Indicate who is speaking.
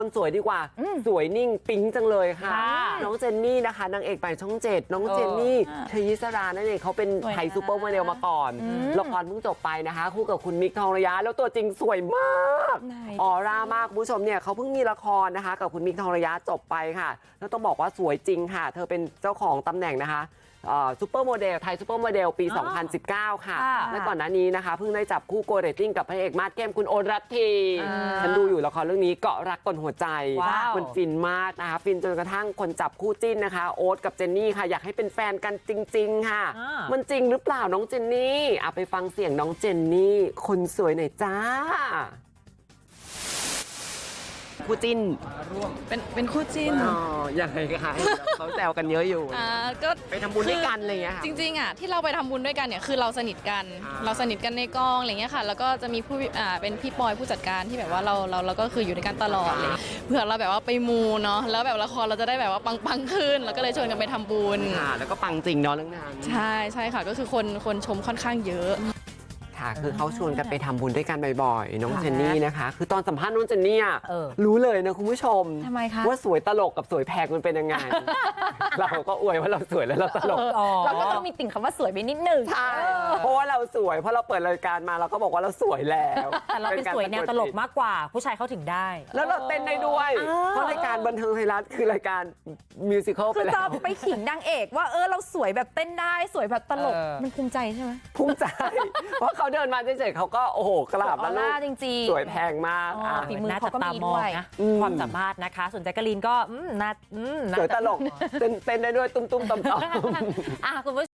Speaker 1: คนสวยดีกว่าสวยนิ่งปิ๊งจังเลยค่ะ
Speaker 2: ค่ะ
Speaker 1: น้องเจนนี่นะคะนางเอกใหม่ช่อง 7น้องเจนนี่เทยิสรานั่นเองเขาเป็น
Speaker 2: สวยนะ
Speaker 1: ไทยซูเปอร์โมเดลมาก่อนละครเพิ่งจบไปนะคะคู่กับคุณมิกทองระยะแล้วตัวจริงสวยมาก
Speaker 2: ไหน
Speaker 1: ออร่ามากคุณผู้ชมเนี่ยเขาเพิ่งมีละครนะคะกับคุณมิกทองระยะจบไปค่ะแล้วต้องบอกว่าสวยจริงค่ะ เธอเป็นเจ้าของตำแหน่งนะคะซูเปอร์โมเดลไทยซูเปอร์โมเดลปี 2019 ค่ะ
Speaker 2: ค่ะ
Speaker 1: และก่อนหน้านี้นะคะเพิ่งได้จับคู่โกเรตติ้งกับพระเอกมาสเข้มคุณโอนรัตทีฉันดูอยู่ละครเรื่องนี้เกาะรักกลหัวใจ
Speaker 2: ว้าว
Speaker 1: มันฟินมากนะคะฟินจนกระทั่งคนจับคู่จิ้นนะคะโอ๊ตกับเจนนี่ค่ะอยากให้เป็นแฟนกันจริงๆค่ะ มันจริงหรือเปล่าน้องเจนนี่ไปฟังเสียงน้องเจนนี่คนสวยหน่อยจ้าคู่จิ้น
Speaker 3: เป็นคู่จิ้น
Speaker 1: อ๋อยังไงคะเขาแซวกันเยอะอยู่
Speaker 3: ก็
Speaker 1: ไปทำบุญด้วยกันอะไรอย่างเงี้ยค่ะ
Speaker 3: จริงๆอ่ะที่เราไปทำบุญด้วยกันเนี่ยคือเราสนิทกัน
Speaker 1: อ่า
Speaker 3: เราสนิทกันในกองอะไรเงี้ยค่ะแล้วก็จะมีผู้เป็นพี่ปอยผู้จัดการที่แบบว่าเราก็คืออยู่ด้วยกันตลอดเลยเผื่อเราแบบว่าไปมูเนาะแล้วแบบละครเราจะได้แบบว่าปังขึ้นเราก็เลยชวนกันไปทำบุญ
Speaker 1: ค่ะแล้วก็ปังจริงเนาะเรื่องนั้น
Speaker 3: ใช่ค่ะก็คือคนชมค่อนข้างเยอะ
Speaker 1: ค่ะคือเขาชวนกันไปทำบุญด้วยกันบ่อยๆน้องเจนนี่นะคะคือตอนสัมภาษณ์น้องเจนนี่อะ
Speaker 2: เออ
Speaker 1: รู้เลยนะคุณผู้ชม
Speaker 2: ทำไมคะ
Speaker 1: ว่าสวยตลกกับสวยแพงมันเป็นยังไง เราก็อวยว่าเราสวยแล้วเราตลก
Speaker 2: เราก็ต้องมีติ่งคำว่าสวยไปนิดหนึ่ง
Speaker 1: ใช่เพราะว่าเราสวยเพราะเราเปิดรายการมาเราก็บอกว่าเราสวยแล้ว
Speaker 2: แต่เราเป็นสวยแนวตลกมากกว่า ผู้ชายเขาถึงได้
Speaker 1: แล้วเราเต้นได้ด้วย เพราะรายการบันเทิงไทยรัฐคือรายการมิวสิควลไป
Speaker 2: คือ
Speaker 1: แล้
Speaker 2: จะ
Speaker 1: ว
Speaker 2: ไปขิงนางเอกว่าเราสวยแบบเต้นได้สวยแบบตลก
Speaker 4: เออ
Speaker 2: มันภูมิใจใช่ไหม
Speaker 1: ภูมิใจ เพราะเขาเดินมาเฉยๆเขาก็โอ้โหกราบ
Speaker 2: อ
Speaker 1: แล้
Speaker 2: อ
Speaker 1: วลู
Speaker 2: ร่าก จริงๆ
Speaker 1: สวยแพงมาก
Speaker 2: อ๋อฝีมือเขาก็มีด้วย
Speaker 4: นะ
Speaker 1: อืม
Speaker 4: ความสามารถนะคะ ส่วนแจ๊กกะลีนก็น่า
Speaker 1: สวยตลกเต้นได้ด้วยตุ้มๆต่อมๆ
Speaker 4: คุณผู้